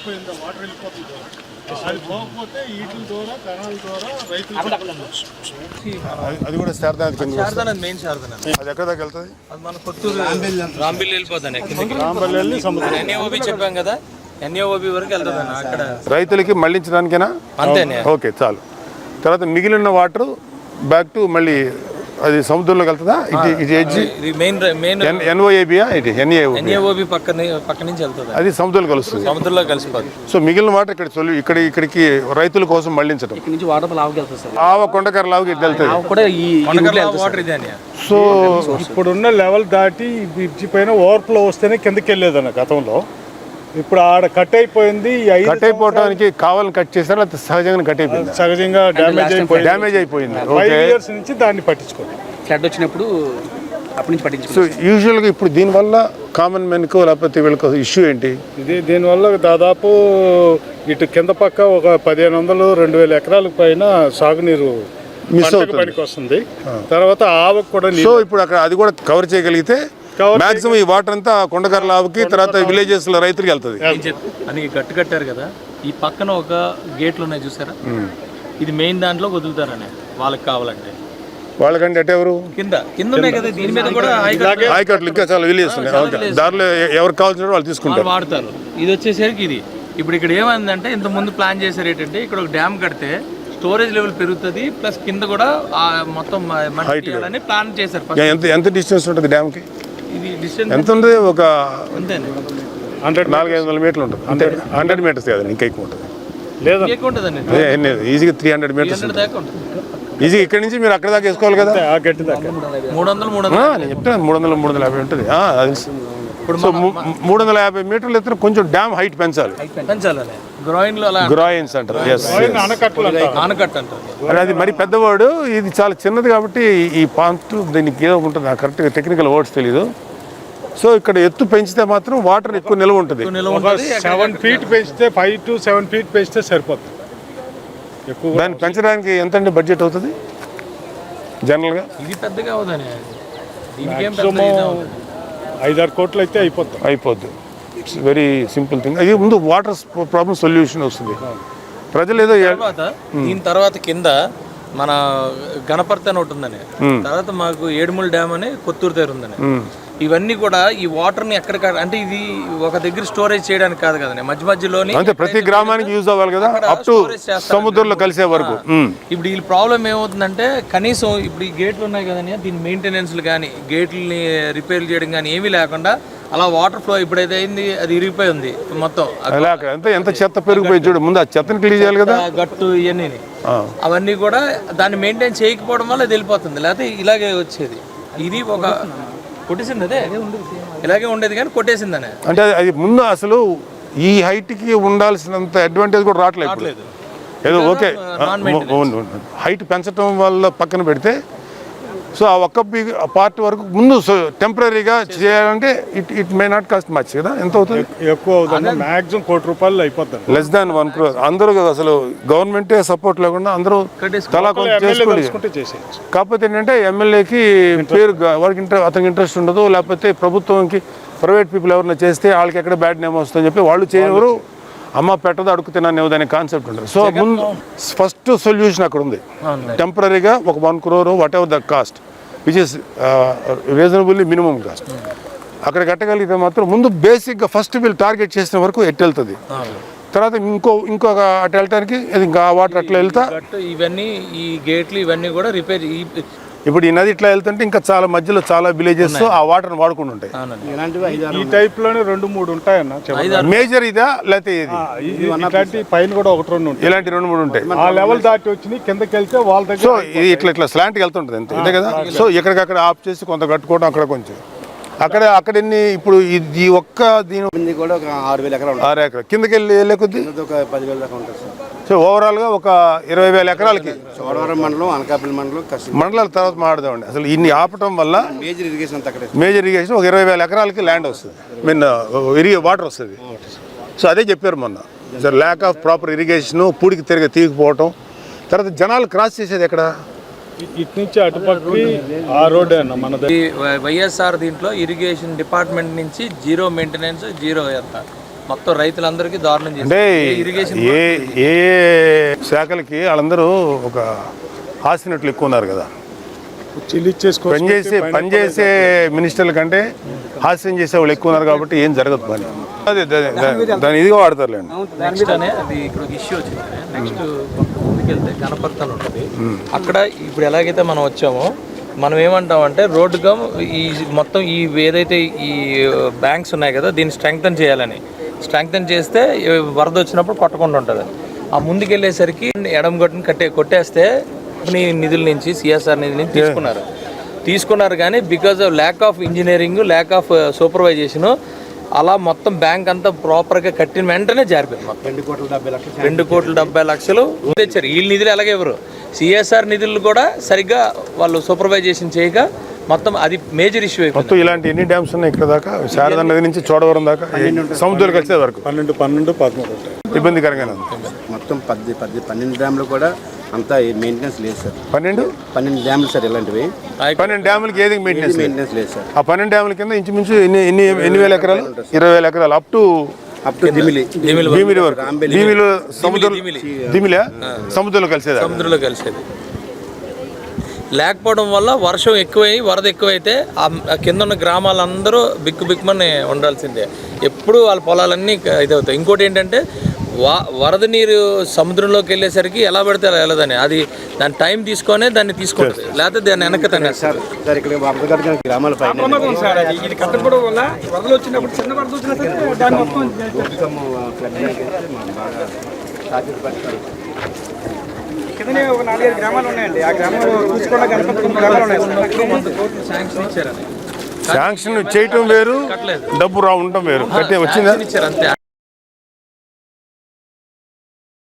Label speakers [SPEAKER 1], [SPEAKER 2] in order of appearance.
[SPEAKER 1] అయిపోయిందా వాటర్ వెళ్ళిపోతుంది అది పోకపోతే వీటి ద్వారా కణాల ద్వారా రైతులు
[SPEAKER 2] అది కూడా శారదానది కింద
[SPEAKER 3] శారదానది మెయిన్ శారదానది
[SPEAKER 2] అది ఎక్కడ దాకా వెళ్తుంది
[SPEAKER 3] అది మన కొత్తూరు రాంబిల్లి వెళ్ళిపోతాను
[SPEAKER 1] రాంబల్లి సముద్రం
[SPEAKER 3] ఎన్ఏఓబి చెప్పాం కదా ఎన్ఏఓబి వరకు వెళ్తుంది అక్కడ
[SPEAKER 2] రైతులకి మళ్ళించడానికేనా
[SPEAKER 3] అంతేనే
[SPEAKER 2] ఓకే చాలు తర్వాత మిగిలిన వాటర్ బ్యాక్ టు మళ్ళీ అది సముద్రంలోకి వెళ్తుందా ఇది ఎడ్జి
[SPEAKER 3] మెయిన్
[SPEAKER 2] ఎన్ఓఏబియా ఇది
[SPEAKER 3] ఎన్ఏఓబి పక్క నుంచి వెళ్తుంది
[SPEAKER 2] అది సముద్రంలో కలుస్తుంది
[SPEAKER 3] సముద్రంలో కలిసిపోతుంది
[SPEAKER 2] సో మిగిలిన వాటర్ ఇక్కడ ఇక్కడికి రైతుల కోసం మళ్ళించడం
[SPEAKER 4] నుంచి వాటర్ లావుకి వెళ్తుంది సార్
[SPEAKER 2] ఆవ కొండకర లావుకి వెళ్తుంది
[SPEAKER 4] కూడా ఈ
[SPEAKER 3] వాటర్ ఇదే
[SPEAKER 1] సో ఇప్పుడున్న లెవెల్ దాటి బ్రిడ్జి పైన ఓవర్ఫ్లో వస్తేనే కిందకి వెళ్ళేదన్న గతంలో ఇప్పుడు ఆడ కట్ అయిపోయింది
[SPEAKER 2] కట్ అయిపోవడానికి కావాలని కట్ చేశారు లేకపోతే సహజంగా కట్ అయిపోయింది
[SPEAKER 1] సహజంగా
[SPEAKER 2] డ్యామేజ్ అయిపోయింది
[SPEAKER 1] 5 years నుంచి దాన్ని పట్టించుకోండి
[SPEAKER 4] ఫ్లడ్ వచ్చినప్పుడు అప్పటి నుంచి
[SPEAKER 2] సో
[SPEAKER 4] పట్టించుకోండి
[SPEAKER 2] యూజువల్గా ఇప్పుడు దీనివల్ల కామన్ మెన్కో లేకపోతే వీళ్ళకి ఇష్యూ ఏంటి
[SPEAKER 1] దీనివల్ల దాదాపు ఇటు కింద పక్క ఒక 1500-2000 ఎకరాల పైన సాగునీరు
[SPEAKER 2] మిస్ అవుతుంది
[SPEAKER 1] పనికి వస్తుంది తర్వాత ఆవకు కూడా
[SPEAKER 2] సో ఇప్పుడు అక్కడ అది కూడా కవర్ చేయగలిగితే మాక్సిమం ఈ వాటర్ అంతా కొండకర లావుకి తర్వాత విలేజెస్ లో రైతులకి వెళ్తుంది
[SPEAKER 3] అని గట్టు కట్టారు కదా ఈ పక్కన ఒక గేట్లు ఉన్నాయి చూసారా ఇది మెయిన్ దాంట్లో వదులుతారని వాళ్ళకి కావాలంటే
[SPEAKER 2] వాళ్ళకంటే అటు ఎవరు
[SPEAKER 3] కింద ఉన్నాయి కదా దీని మీద కూడా
[SPEAKER 2] ఆయకట్లు ఇంకా చాలా విలేజెస్ ఉన్నాయి దారిలో ఎవరికి కావాల్సిన వాళ్ళు తీసుకుంటారు
[SPEAKER 3] వాడతారు ఇది వచ్చేసరికి ఇది ఇప్పుడు ఇక్కడ ఏమైందంటే ఇంత ముందు ప్లాన్ చేశారు ఏంటంటే ఇక్కడ ఒక డ్యామ్ కడితే స్టోరేజ్ లెవెల్ పెరుగుతుంది ప్లస్ కింద కూడా మొత్తం అని ప్లాన్ చేశారు
[SPEAKER 2] ఎంత డిస్టెన్స్ ఉంటుంది డ్యామ్ కి
[SPEAKER 3] ఇది డిస్టెన్స్
[SPEAKER 2] ఎంత ఉంది ఒక
[SPEAKER 3] అంతేనే
[SPEAKER 2] 400-500 మీటర్లు ఉంటుంది అంతే 100 మీటర్స్ కాదు ఇంకా ఎక్కువ ఉంటుంది
[SPEAKER 1] లేదా
[SPEAKER 3] ఎక్కువ ఉంటుందండి
[SPEAKER 2] ఈజీగా 300 మీటర్స్
[SPEAKER 3] దాకా ఉంటుంది
[SPEAKER 2] ఈజీ ఇక్కడ నుంచి మీరు అక్కడ దాకా వేసుకోవాలి కదా
[SPEAKER 1] ఆ గట్టి దాకా
[SPEAKER 3] 300
[SPEAKER 2] నేను చెప్తాను 300-350 ఉంటుంది ఇప్పుడు సో 350 మీటర్లు ఎత్తున కొంచెం డ్యామ్ హైట్ పెంచాలి గ్రాయిన్స్ అంటారు
[SPEAKER 3] ఆనకట్ట అంటారు
[SPEAKER 2] అది మరి పెద్దవాడు ఇది చాలా చిన్నది కాబట్టి ఈ పాంట్ దీనికి ఏదో ఉంటుంది కరెక్ట్గా టెక్నికల్ వర్డ్స్ తెలీదు సో ఇక్కడ ఎత్తు పెంచితే మాత్రం వాటర్ ఎక్కువ నిల్వ ఉంటుంది
[SPEAKER 1] 7 feet పెంచితే 5 to 7 feet పెంచితే సరిపోతుంది ఎక్కువ
[SPEAKER 2] దాన్ని పెంచడానికి ఎంత అండి బడ్జెట్ అవుతుంది జనరల్గా
[SPEAKER 3] ఇది పెద్దగా అవుదని
[SPEAKER 1] 5-6 కోట్లు అయితే
[SPEAKER 2] అయిపోద్ది ఇట్స్ వెరీ సింపుల్ థింగ్ అది ముందు వాటర్ ప్రాబ్లమ్ సొల్యూషన్ వస్తుంది ప్రజలు ఏదో
[SPEAKER 3] దీని తర్వాత కింద మన గణపర్తి అని ఒకటి ఉందని తర్వాత మాకు ఏడుమూల డ్యామ్ అని కొత్తూరు దగ్గర ఉందని ఇవన్నీ కూడా ఈ వాటర్ ని ఎక్కడ అంటే ఇది ఒక దగ్గర స్టోరేజ్ చేయడానికి కాదు కదండి మధ్యలోని
[SPEAKER 2] అంటే ప్రతి గ్రామానికి యూజ్ అవ్వాలి కదా అప్ టు సముద్రంలో కలిసే వరకు
[SPEAKER 3] ఇప్పుడు ఈ ప్రాబ్లం ఏమవుతుందంటే కనీసం ఇప్పుడు ఈ గేట్లు ఉన్నాయి కదండి దీని మెయింటెనెన్స్ కానీ గేట్లని రిపేర్ చేయడం కానీ ఏమీ లేకుండా అలా వాటర్ ఫ్లో ఇప్పుడైతే అయింది అది ఇరిగిపోయి ఉంది మొత్తం
[SPEAKER 2] ఎంత చెత్త పెరిగిపోయి చూడు ముందు ఆ చెత్తని క్లీన్ చేయాలి కదా
[SPEAKER 3] గట్టు ఇవన్నీ అవన్నీ కూడా దాన్ని మెయింటైన్ చేయకపోవడం వల్ల అది వెళ్ళిపోతుంది లేకపోతే ఇలాగే వచ్చేది ఇది ఒక కొట్టేసింది అదే ఇలాగే ఉండేది కానీ కొట్టేసిందనే
[SPEAKER 2] అంటే అది ముందు అసలు ఈ హైట్ కి ఉండాల్సినంత అడ్వాంటేజ్ కూడా రావట్లేదు ఏదో ఓకే హైట్ పెంచడం వల్ల పక్కన పెడితే సో ఆ ఒక్క పార్ట్ వరకు ముందు టెంపరీగా చేయాలంటే it may not cost much కదా ఎంత అవుతుంది
[SPEAKER 1] ఎక్కువ అవుతుంది మాక్సిమం ₹1 కోటి అయిపోతుంది
[SPEAKER 2] లెస్ దాన్ 1 crore అందరూ అసలు గవర్నమెంటే సపోర్ట్ లేకుండా అందరూ తలా కొంచెం చేసుకోండి కాకపోతే ఏంటంటే ఎమ్మెల్యేకి పేరు వారికి అతనికి ఇంట్రెస్ట్ ఉండదు లేకపోతే ప్రభుత్వంకి ప్రైవేట్ పీపుల్ ఎవరైనా చేస్తే వాళ్ళకి ఎక్కడ బ్యాడ్ నేమ్ వస్తుందని చెప్పి వాళ్ళు చేయరు అమ్మ పెట్టదు అడుగు తిన్నాను అనే కాన్సెప్ట్ ఉంటుంది సో ముందు ఫస్ట్ సొల్యూషన్ అక్కడ ఉంది టెంపరీగా ఒక 1 crore whatever the cost which is reasonably minimum cost అక్కడ కట్టగలిగితే మాత్రం ముందు బేసిక్గా ఫస్ట్ వీళ్ళు టార్గెట్ చేసిన వరకు ఎట్టు వెళ్తుంది తర్వాత ఇంకొక అటు వెళ్ళటానికి ఇంకా వాటర్ అట్లా వెళ్తా
[SPEAKER 3] ఇవన్నీ ఈ గేట్లు ఇవన్నీ కూడా రిపేర్
[SPEAKER 2] ఇప్పుడు ఈ నది ఇట్లా వెళ్తుంటే ఇంకా చాలా మధ్యలో చాలా విలేజెస్ ఆ వాటర్ వాడుకుంటూ ఉంటాయి
[SPEAKER 1] ఈ టైప్ లోనే 2-3 ఉంటాయన్న
[SPEAKER 2] మేజర్ ఇదా లేకపోతే
[SPEAKER 1] ఇలాంటి పైన కూడా 1-2 ఉంటాయి
[SPEAKER 2] ఇలాంటి 2-3 ఉంటాయి ఆ
[SPEAKER 1] లెవెల్ దాటి వచ్చి కిందకి వెళ్తే వాళ్ళ దగ్గర
[SPEAKER 2] సో ఇది ఇట్లా స్లాంట్కి వెళ్తుంటుంది అంతే కదా సో ఎక్కడికక్కడ ఆఫ్ చేసి కొంత కట్టుకోవడం అక్కడ కొంచెం అక్కడ ఎన్ని ఇప్పుడు ఈ ఒక్క దీని
[SPEAKER 4] కూడా ఒక 6,000 ఎకరాలు
[SPEAKER 2] 6 ఎకరాలు కిందకి వెళ్ళే కొద్ది
[SPEAKER 4] ఒక 10,000 దాకా ఉంటుంది సార్
[SPEAKER 2] సో ఓవరాల్గా ఒక 20,000 ఎకరాలకి
[SPEAKER 4] చోడవరం మండలం అనకాపల్లి మండలం
[SPEAKER 2] మండలాల తర్వాత మాట్లాడదామండి అసలు ఇన్ని ఆపటం వల్ల
[SPEAKER 4] మేజర్ ఇరిగేషన్ అంతా అక్కడే
[SPEAKER 2] మేజర్ ఇరిగేషన్ ఒక 20,000 ఎకరాలకి ల్యాండ్ వస్తుంది వాటర్ వస్తుంది సో అదే చెప్పారు మొన్న sir lack of proper irrigation పూడికి తీయకపోవటం తర్వాత జనాలు క్రాస్ చేసేది ఎక్కడ
[SPEAKER 1] ఇటు నుంచి అటుపక్కకి ఆ రోడ్ అన్న మన
[SPEAKER 3] వైఎస్ఆర్ దీంట్లో ఇరిగేషన్ డిపార్ట్మెంట్ నుంచి జీరో మెయింటెనెన్స్ జీరో ఎంత మొత్తం రైతులందరికీ దారుణం
[SPEAKER 2] అంటే
[SPEAKER 3] చేసింది ఇరిగేషన్
[SPEAKER 2] ఏ ఏ శాఖలకి వాళ్ళందరూ ఒక హాసినట్లు ఎక్కువ ఉన్నారు కదా. పనిచేసే మినిస్టర్ల కంటే హాస్యం చేసే వాళ్ళు ఎక్కువ ఉన్నారు కాబట్టి ఏం జరగదు పని. అదే దాని ఇదిగా వాడతారులేండి.
[SPEAKER 3] నెక్స్ట్ అనే అది ఇక్కడ ఒక ఇష్యూ వచ్చింది. నెక్స్ట్ ముందుకెళ్తే గణపర్తలు ఉంటుంది. అక్కడ ఇప్పుడు ఎలాగైతే మనం వచ్చామో మనం ఏమంటామంటే రోడ్డు కమ్ ఈ మొత్తం ఈ ఏదైతే ఈ బ్యాంక్స్ ఉన్నాయి కదా దీన్ని స్ట్రెంగ్తన్ చేయాలని. స్ట్రెంగ్తన్ చేస్తే వరద వచ్చినప్పుడు కొట్టకుండా ఉంటుంది. ఆ ముందుకెళ్ళేసరికి ఎడమ గట్టుని కొట్టేస్తే నిధుల నుంచి సిఎస్ఆర్ నిధుల నుంచి తీసుకున్నారు కానీ because of lack of engineering, lack of supervision అలా మొత్తం బ్యాంక్ అంతా ప్రాపర్గా కట్టిన వెంటనే జారిపోయింది. మొత్తం 2,70,00,000 తెచ్చారు. వీళ్ళ నిధులు ఎలాగే ఎవరు సిఎస్ఆర్ నిధులు కూడా సరిగ్గా వాళ్ళు సూపర్వైజేషన్ చేయక మొత్తం అది మేజర్ ఇష్యూ అయిపోయింది.
[SPEAKER 2] మొత్తం ఇలాంటి ఎన్ని డ్యామ్స్ ఉన్నాయి ఇక్కడ దాకా? శారదా నది నుంచి చోడవరం దాకా సముద్రాలు కలిసే వరకు
[SPEAKER 1] 12, 13
[SPEAKER 2] ఇబ్బందికరంగానే ఉంది.
[SPEAKER 4] మొత్తం 12 డ్యామ్లు కూడా అంతా మెయింటెనెన్స్ లేదు సార్.
[SPEAKER 2] 12
[SPEAKER 4] డ్యామ్లు సార్ ఇలాంటివి.
[SPEAKER 2] 12 డ్యాములకి ఏది మెయింటెనెన్స్
[SPEAKER 4] లేదు సార్.
[SPEAKER 2] ఆ 12 డ్యాముల కింద ఇంచుమించు ఎన్ని వేల ఎకరాలు? 20,000 ఎకరాలు అప్ టు భీమిలి వరకు. భీమిలో సముద్రంలో కలిసేది.
[SPEAKER 3] లేకపోవడం వల్ల వర్షం ఎక్కువై వరద ఎక్కువైతే ఆ కింద ఉన్న గ్రామాలందరూ బిక్కుమని ఉండాల్సిందే. ఎప్పుడు వాళ్ళ పొలాలన్నీ ఇదవుతాయి. ఇంకోటి ఏంటంటే వరద నీరు సముద్రంలోకి వెళ్ళేసరికి ఎలా పడితే అలా వెళ్ళదని అది దాని టైం తీసుకొనే దాన్ని తీసుకుంటుంది. లేకపోతే దాన్ని వెనక్కి తనేస్తారు.
[SPEAKER 4] సార్ ఇక్కడ గ్రామాల పైన
[SPEAKER 5] ఒక 4-5 గ్రామాలు ఉన్నాయండి. ఆ గ్రామాలు చూసుకున్న గణపతి గ్రామాలు ఉన్నాయి.
[SPEAKER 2] శాంక్షన్ చేయటం వేరు, డబ్బు ఉండటం వేరు. వచ్చిందా?
[SPEAKER 3] అంతే.